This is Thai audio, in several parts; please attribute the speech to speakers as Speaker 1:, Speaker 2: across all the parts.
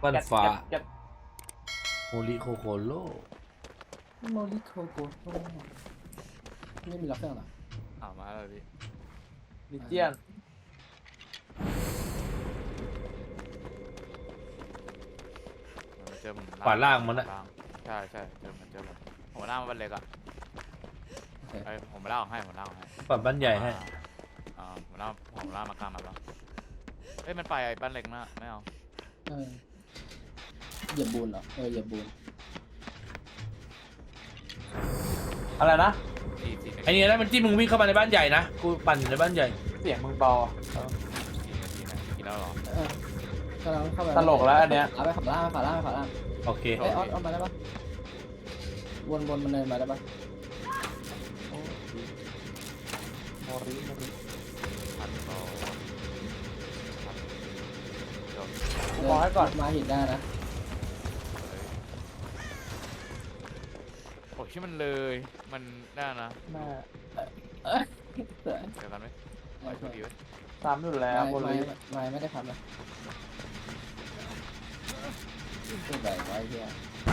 Speaker 1: ปั้นฟ้า
Speaker 2: แก๊ส
Speaker 1: โมริโคโคโร่
Speaker 3: โมริโคโกโต้ไม่มีล็อกเครื่องหรอ
Speaker 4: มาแล้วพี่
Speaker 2: ลิเจียน
Speaker 4: มันเจอผม
Speaker 1: ขวาล่างมันนะ
Speaker 4: ใช่เจอผมล่างมันเล็กอ่ะผมล่างให้ผมล่างให้
Speaker 1: ปัดบ้านใหญ่ให้
Speaker 4: ผมล่างมากลางมาบ้างเอ้ยมันไปบ้านเล็กนะไม่เอา
Speaker 3: เหยียบบูนเหรอเหยียบบูน
Speaker 2: อะไรนะ
Speaker 1: ไอ้เนี่ยนะมันจิ้มมึงวิ่งเข้ามาในบ้านใหญ่นะกูปั่นอยู่ในบ้านใหญ่
Speaker 2: เสียงมึงเบา
Speaker 4: กี่แล้วหรอก
Speaker 3: ำลังเข้าไป
Speaker 2: ตลกแล้วอันเนี้ย
Speaker 3: เอาไปขวาล่างขวาล่างขวาล่าง
Speaker 1: โอเค
Speaker 3: เอ้ยออสมาได้ปะวนมันเดินมาได้ปะ
Speaker 2: โมริ
Speaker 4: พันโต
Speaker 2: บอกให้ก่อน
Speaker 3: มาหินได้นะ
Speaker 4: โอ้ยชื่อมันเลยมันได้นะ
Speaker 2: แม่
Speaker 3: เสือ
Speaker 4: เจอกันไหมไปโชคดีไว้
Speaker 2: ซ้ำอยู่แล้วโมริ
Speaker 3: ไม่ได้ทำนะขึ้นไปไว้เฮีย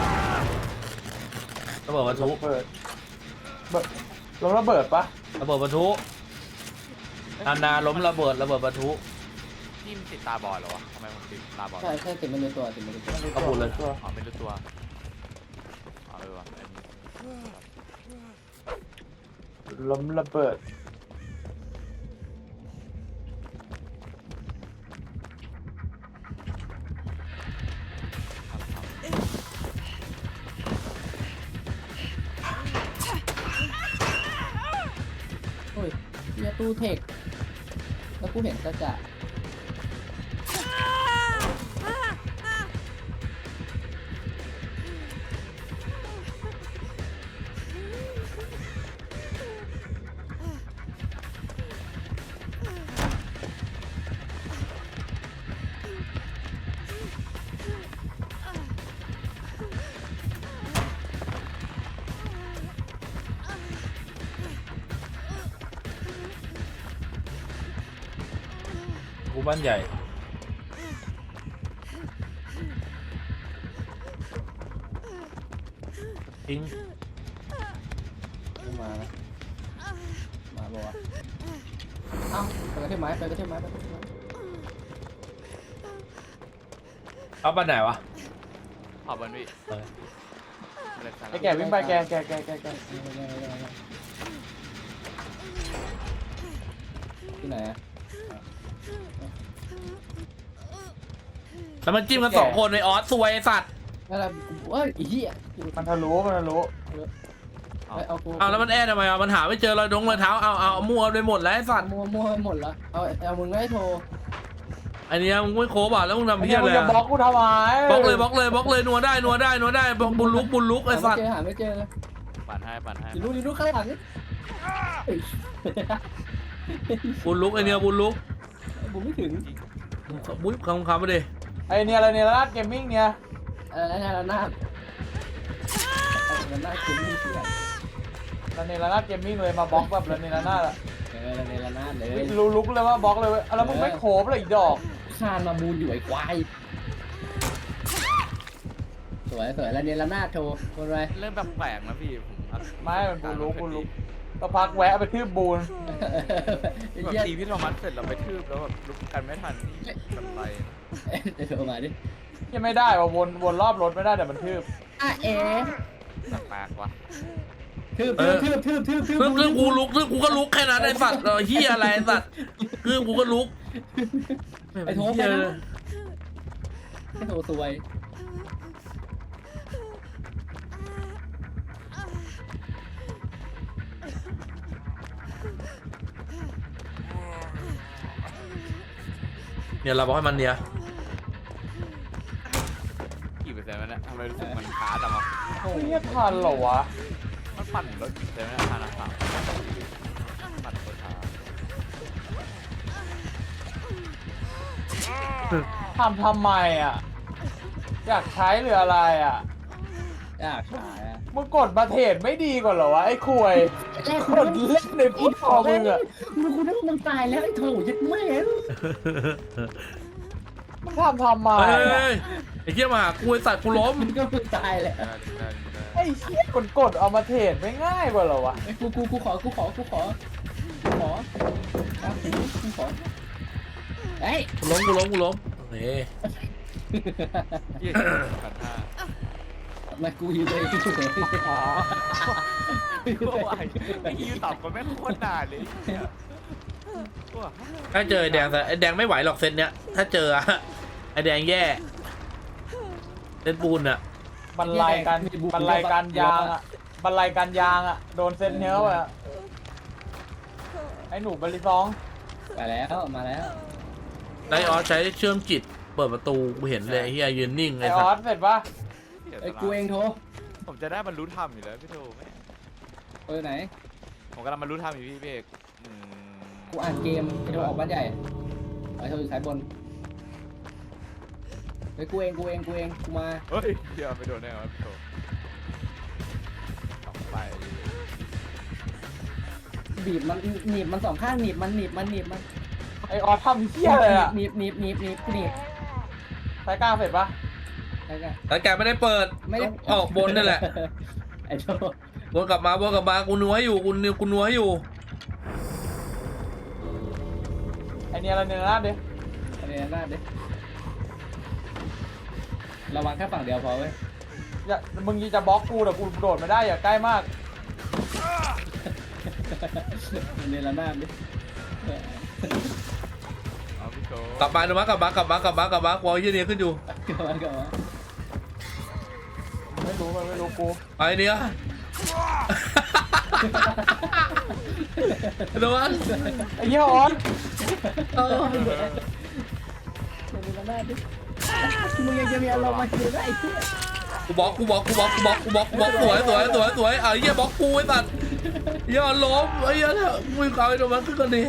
Speaker 1: ระเบิดบรรทุก
Speaker 2: เปิดลงระเบิดปะ
Speaker 1: ระเบิดบรรทุกนาล้มระเบิดบรรทุก
Speaker 4: นี่มันติดตาบอดเหรอวะทำไมผมติดตาบอด
Speaker 3: ใช่ติดมันในตัวติดมันในตัว
Speaker 1: เอาหมดเลย
Speaker 4: ไม่รู้ตัววะ
Speaker 2: ล้มระเบิด
Speaker 3: โอ้ยเฮียตู้เทคแล้วกูเห็นก็จะ
Speaker 1: กูบ้านใหญ่ทิ้ง
Speaker 3: มานะมาบอกว่าเอ้าไปกระเทียมไม้ไปกระเทียมไม้
Speaker 1: เอาบ้านไหนวะ
Speaker 4: ขอบอลพี่
Speaker 2: ไอ้แกวิ่งไปแก
Speaker 3: ที่ไหนอะ
Speaker 1: แล้วมันจิ้มกันสองคนในออสซวยไอ้สัตว์
Speaker 3: นั่นแหละเอ้ยอีเหี้ย
Speaker 2: มันทะลุ
Speaker 3: เอากู
Speaker 1: เอาแล้วมันแอบทำไมอ่ะมันหาไม่เจอรอยเท้าเอามั่วไปหมดแล้วไอ้สัตว์
Speaker 3: มัวหมดละเอามึงไม่โทร
Speaker 1: อันนี้มึงไม่โคบอ่ะแล้วมึงทำ
Speaker 2: ไอ้
Speaker 1: เพี้
Speaker 2: เนี่ย ยมึ
Speaker 1: อะไร
Speaker 2: งจะบล็อกกูทำไม
Speaker 1: บล็อกเลยนัวได้บุญลุกไอ้สัตว์
Speaker 3: หาไม่เจอ
Speaker 4: ปั่นให้
Speaker 3: อยู่ลูกข้างหลังนี่
Speaker 1: บุญลุกไอเนี่ยบุญลุก
Speaker 3: บุไม่ถึง
Speaker 1: บุญคำมาดิ
Speaker 2: ไอ้เนี่ยอะไรเนี่ยร้านเกมมิ่งเนี่ย
Speaker 3: ระนาดคุ้มที่เสีย
Speaker 2: ร้านเกมมิ่งเลยมาบล็อกแบบระนาดอะ
Speaker 3: ระนาดเลย
Speaker 2: รู้ลุกเลยว่าบล็อกเลยแล้วมึงไม่โคบเลยอีกดอก
Speaker 3: คานมาบูนอยู่ไอ้ควายสวยแล้วเนี่ยระนาดโทรคนไร
Speaker 4: เริ่มแบบแปลกนะพี่ผม
Speaker 2: ไม่มันกูลุกก็พักแวะไปทืบบูน
Speaker 4: แบบตีพี่โทมัสเสร็จเราไปทืบแล้วแบบลุกกันไม่ทันนี่แบบไร
Speaker 3: โทรมาดิ
Speaker 2: ยังไม่ได้ว่ะวนรอบรถไม่ได้แต่มันทืบ
Speaker 4: แปลกว่ะ
Speaker 3: ทืบ
Speaker 1: ซึ่งกูก็ลุกแค่นั้นไอ้สัตว์เฮียอะไรไอ้สัตว์คือกูก็ลุก
Speaker 3: ไอ้โทรไปนะไอ้โทรสวย
Speaker 1: เนี่ยเราบอกให้มันเนี่ย
Speaker 4: กี่เปอร์เซ็นต์วะเนี่ยทำไมรู้สึกมันช้าจังวะ
Speaker 2: โอ้ยทันเหรอวะ
Speaker 4: มันปั่นรถกี่เปอร์เซ็นต์วะเนี่ยทางต่างปั่นรถช้า
Speaker 2: ทำไมอ่ะอยากใช้หรืออะไรอ่ะ
Speaker 3: อยากขายอ่ะ
Speaker 2: มึงกดมาเทรดไม่ดีกว่าเหรอวะไอ้คุยกดเล่นในพุทธคอมึงอ่ะ
Speaker 3: มึงคุณนึกว่ามึงตายแล้วไอ้โถยัดแม่
Speaker 2: มึงทำไม
Speaker 1: เฮ้ยไอ้เหี้ยมาหากูไอ้สัตว์กูล้ม
Speaker 3: มันก็มึงตายแหละ
Speaker 2: ไอ้เชี่ยกดเอามาเทรดไม่ง่ายกว่าเหรอวะ
Speaker 3: ไอ้กูขอครับกูขอเฮ้ย
Speaker 1: กูล้มโอเค
Speaker 4: ยี่กันท่า
Speaker 3: มากูอยู่เลยกูเลย
Speaker 2: อ๋อ
Speaker 4: ไอ้ยี่ตอบกันแม่งโคตรนานเลย
Speaker 1: ถ้าเจอไอ้แดงแต่ไอ้แดงไม่ไหวหรอกเซตเนี้ยถ้าเจออะไอ้แดงแย่เซตปูนอะ
Speaker 2: บรรลัยการยางอ่ะบรรลัยการยางอ่ะโดนเซนเฮลอ่ะไอ้หนูบริซอง
Speaker 3: ไปแล้วมาแล้ว
Speaker 1: ไนออสใช้เชื่อมจิตเปิดประตูกูเห็นเลยไอ้เฮียยืนนิ่ง
Speaker 2: ไอ้
Speaker 1: ไอ้
Speaker 2: อ
Speaker 1: สั
Speaker 2: อ
Speaker 1: ต
Speaker 2: ส
Speaker 1: ว์
Speaker 2: เสร็จปะ
Speaker 3: ไอ้กูเองโทร
Speaker 4: ผมจะได้บรรลุธรรมอยู่แล้วพี่โทแม่
Speaker 3: ไหน
Speaker 4: ผมกำลังบรรลุธรรมอยู่พี่เบก
Speaker 3: กูอ่านเกมไอ้โทรออกบ้านใหญ่ไอ้โทรอยู่สายบนไอ้กูเองกูมา
Speaker 4: เฮ้ยเดี๋ยวไปโดนแน่ครับพี่โทต่อไป
Speaker 3: บีบมันหนีบมันสองข้างหนีบมัน
Speaker 2: ไอ้ออสทำเชี่ยเลยอ่ะ
Speaker 3: หนีบ
Speaker 2: สายกลางเสร็จปะ
Speaker 3: แล้วก็
Speaker 1: แต่แกไม่ได้เปิด
Speaker 3: ไม่ได้
Speaker 1: ต้องออกบนนั่นแหละ
Speaker 3: ไอ้โทร
Speaker 1: วนกลับมากูนัวอยู่กูนัวอยู่
Speaker 2: ไอ้เนี่ยอะไรเนี่ยนะเด็ก
Speaker 3: อะไรหน้าดิระวังแค่ฝั่งเดียวพอเว้ย
Speaker 2: อย่ามึงจะบล็อกกูแต่กูโดดไม่ได้อย่าใกล้มาก
Speaker 3: ในระนาดดิ
Speaker 4: เอาพี่โท
Speaker 1: กลับมาดูมั้ยกลับมากวอลยี่นี่ขึ้นอยู่
Speaker 3: กลับมา
Speaker 2: ไม่รู้กู
Speaker 1: ไอ้เนี่ยดูมั้ย
Speaker 2: ไอ้เหี้ยออส
Speaker 3: ในระนาดดิมึงยังจะมีอารมณ์มาคิวได้ไอ้เหี้ย
Speaker 1: กูบล็อกสวยไอ้เหี้ยบล็อกกูไอ้สัตว์อย่าล้มไอ้เหี้ยมึงเอาไอ้ตรงนั้นขึ้นกันดิ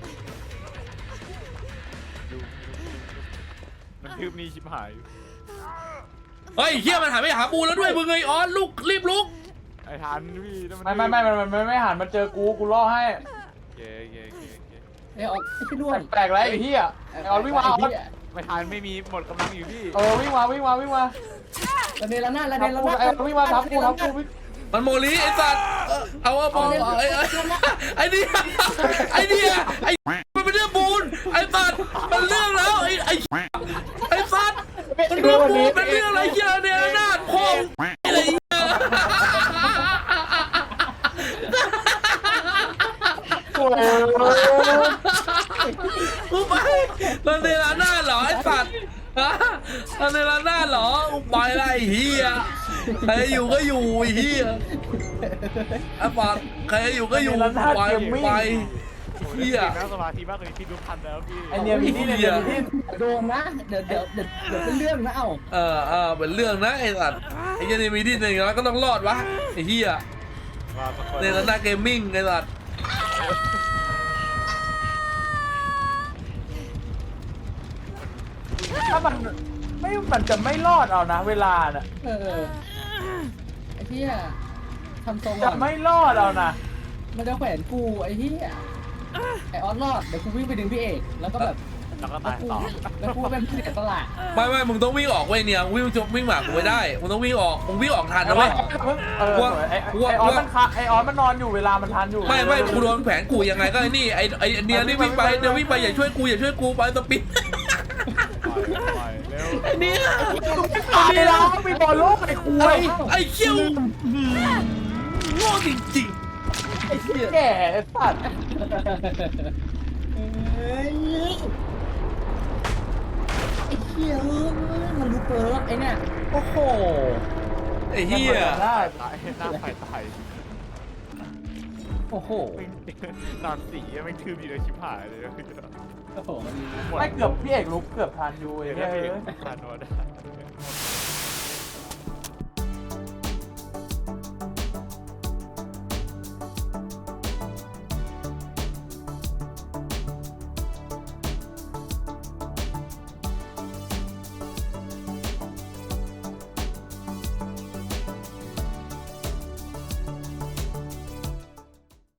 Speaker 4: มันคืบนี่ชิบหาย
Speaker 1: เฮ้ยเหี้ยมันหันไปหาบูแล้วด้วยมึงไอ้ออนลุกรีบลุก
Speaker 4: ไอ้ทันพี่
Speaker 2: ไม่มันไม่หันมาเจอกูล่อให้
Speaker 4: เก๋
Speaker 3: ไอ้ออกไอ้ด้วน
Speaker 2: แปลกไรไอ้เหี้ยไอ้ออสวิ่งมาออส
Speaker 4: ไม่ทันไม่มีหมดกำลังอยู่พี่
Speaker 2: วิ่งมา
Speaker 3: ระเนระนาด
Speaker 2: ทับกูไอ้ออสวิ่งมาทับกูวิ่ง
Speaker 1: มันโมลีไอ้สัตว์เอาว่าบอลไอ้เนี่ยมันเป็นเรื่องบูนไอ้สัตว์มันเรื่องแล้วไอ้สัตว์มันเรื่องบูนเป็นเรื่องอะไรเหี้ยเนี่ยนาดพองอะไรเงี้ย
Speaker 2: กูเลย
Speaker 1: กูไปมันเนรนาดเหรอไอ้สัตว์ฮะมันเนรนาดเหรอไปไรเฮียใครอยู่ก็อยู่เฮียไอ้ปัดใครอยู่ก็อยู่ไปเฮีย
Speaker 4: นั่งสมาธิมากกว่านี้พี่รู้ทันแล้วพี่
Speaker 2: ไอเนี่ยมีที่
Speaker 3: โดนนะเดี๋ยวเป็นเรื่องนะเอ้า
Speaker 1: เป็นเรื่องนะไอ้สัตว์ไอ้เจนี่มีที่หนึ่งแล้วก็ต้องรอดวะไอ้เฮียเนรนาดเกมมิ่งไอ้สัตว์
Speaker 2: ถ้ามันจะไม่รอดเอานะเวลาน่ะ
Speaker 3: ไอ้เหี้ยทำทรง
Speaker 2: จะไม่รอดเอานะ
Speaker 3: มันจะแขวนกูไอ้เหี้ยไอ้ออสรอดเดี๋ยวกูวิ่งไปดึงพี่เอกแล้วก็แบบ
Speaker 4: แล้วก็ตายต่อ
Speaker 3: แล้วกูเป็นผู้เสียสละ
Speaker 1: ไม่มึงต้องวิ่งออกเว้ยเนี่ยวิ่งหมากกูไม่ได้มึงต้องวิ่งออกมึงวิ่งออกทันนะเว้ย
Speaker 2: ไอออสมันนอนอยู่เวลามันทันอยู่
Speaker 1: ไม่กูโดนแขวนกูยังไงก็ไอ้นี่ไอ้เนี่ยนี่วิ่งไปอย่าช่วยกูไปสปิน
Speaker 4: เร็ว
Speaker 1: ไอ้เนี่ย
Speaker 2: ตายแล้วมีบอลโลกไอ้คุย
Speaker 1: ไอ้เขี้ยวโง่จริง
Speaker 2: ไอ้เหี้ยแก่ไอ้สัตว์
Speaker 3: ไอ้เหี้ยมันรู้เปิร์กไอ้เนี่ย
Speaker 2: โอ้โห
Speaker 1: ๆไอ้เหี้ย
Speaker 2: ได้
Speaker 4: ตายหน้าไฟตาย
Speaker 1: โอ้โห
Speaker 4: นอนสีไม่ทืบดีเลยชิบหายเลย
Speaker 3: โอ้โหมัน
Speaker 2: ไม่เกือบพี่เอกลุกเกือบทันอยู่ไอ้
Speaker 4: เดี๋ยว
Speaker 2: เหี้ย
Speaker 4: พี่ผ่านโน้ต